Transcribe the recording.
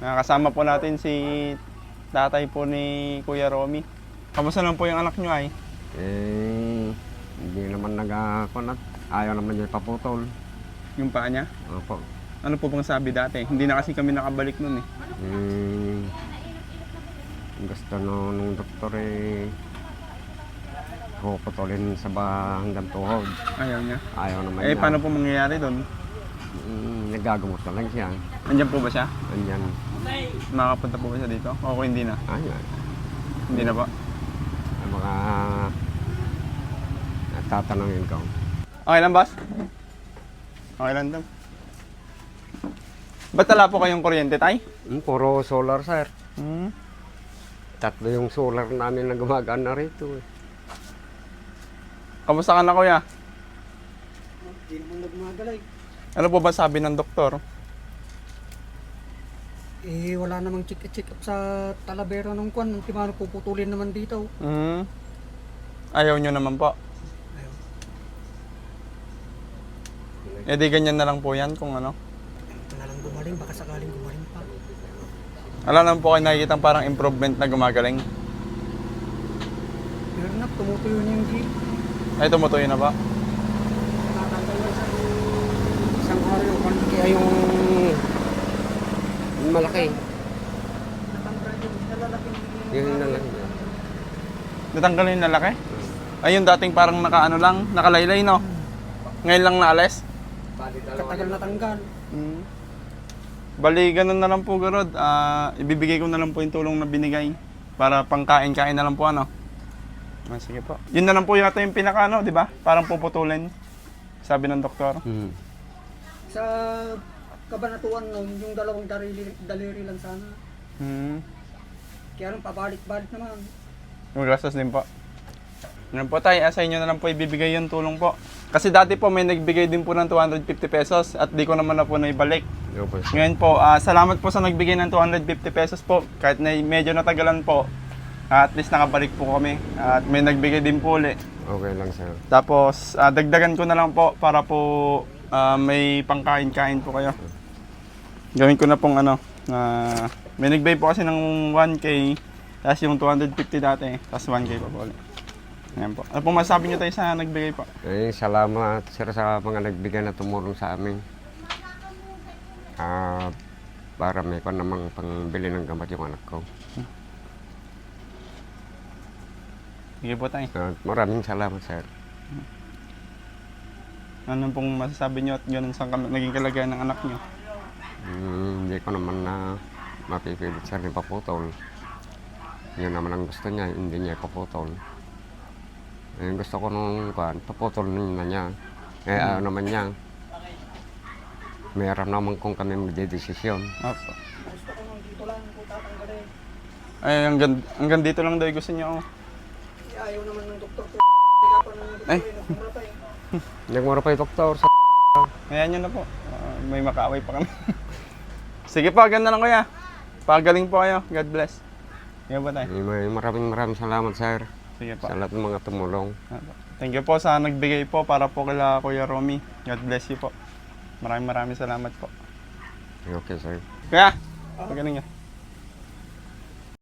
Kasama po natin si tatay po ni Kuya Romy. Kamusta lang po yung anak nyo ay? Hindi naman nagkakunat. Ayaw naman niya ipaputol. Yung paa niya? Opo. Ano po bang sabi dati? Hindi na kasi kami nakabalik nun eh. Gusto nung doktor puputulin sa hanggang tuhod. Ayaw niya. Ayaw naman Eh, niya. paano po mangyayari doon? Nagagamot na lang siya. Andiyan po ba siya? Andyan. Makakapunta po ba siya dito? O kung hindi na? Ayan. Hindi na po. Ang mga tatanungin ko. Okay lang, boss? Okay lang daw. Ba't wala po kayong kuryente, tay? Puro solar, sir. Hmm. Tatlo yung solar namin na gumagana rito. Kamusta ka na, kuya? Hindi naman nagmagalay. Ano po ba sabi ng doktor? Wala namang check up sa Talavera ng kwan. Ang timano puputulin naman dito. Hmm. Ayaw nyo naman po. Ayaw. Eh di ganyan na lang po yan kung ano. Ito na lang gumaling. Baka sakaling gumaling pa. Alam naman po kayo nakikita parang improvement na gumagaling. Pero na, tumutuyo niya yung jeep. Ay, tumutuyo na ba? Natanggal na sa isang araw yung kwan. Kaya yung Malaki. natanggal yung nalalaki. Yun na lang. Natanggal yung lalaki? Ay, yung dating parang nakaano lang, nakalaylay, no? Ngayon lang naalis? Katagal natanggal. Hmm. Bali, ganun na lang po, Garod. Ibibigay ko na lang po yung tulong na binigay para pangkain-kain na lang po, ano? Sige po. Yun na lang po yata yung pinaka, ano, di ba? Parang puputulin, sabi ng doktor. Sa kabanatuan nun, yung dalawang daliri lang sana. Hmm. Kaya nung pabalik-balik naman. Magastos din po. Yan po tayo, sa inyo na lang po ibibigay yung tulong po. Kasi dati po may nagbigay din po ng 250 pesos at di ko naman na po naibalik. Ngayon po, salamat po sa nagbigay ng 250 pesos po. Kahit na medyo natagalan po, at least nakabalik po kami. At may nagbigay din po ulit. Okay lang, sir. Tapos, dagdagan ko na lang po para po may pangkain-kain po kayo. Gawin ko na pong ano, may nagbigay po kasi ng 1K, tapos yung 250 dati, tapos 1K pa po ulit. Ayan po. Ano po masasabi nyo tayo sa nagbigay po? Salamat, sir, sa mga nagbigay na tumulong sa amin. Para may pa namang pangbili ng gamot yung anak ko. Sige po tayo. Maraming salamat, sir. Ano pong masasabi nyo at ganun sa naging kalagayan ng anak nyo? Hindi ko naman na mapipilit, sir, ni paputol. Yun naman ang gusto niya, hindi niya paputol. Gusto ko nung paputol na niya. Ano naman niya, meron naman kung kami magdedesisyon. Opo. Gusto ko nung dito lang kung tatanggalin. Ay, hanggang dito lang daw yung gusto nyo. Ayaw naman ng doktor. Kaya pa ng doktor. Ay. Nagmura pa eh. Nagmura pa yung doktor sa Ngayon nyo na po. May makaaway pa kami. Sige po, ganda lang kuya. Pagaling po kayo. God bless. Sige po tayo. maraming salamat, sir. Sige po. Sa lahat ng mga tumulong. Thank you po sa nagbigay po para po kila Kuya Romy. God bless you po. Maraming salamat po. Okay, sir. Kuya, pagaling nyo.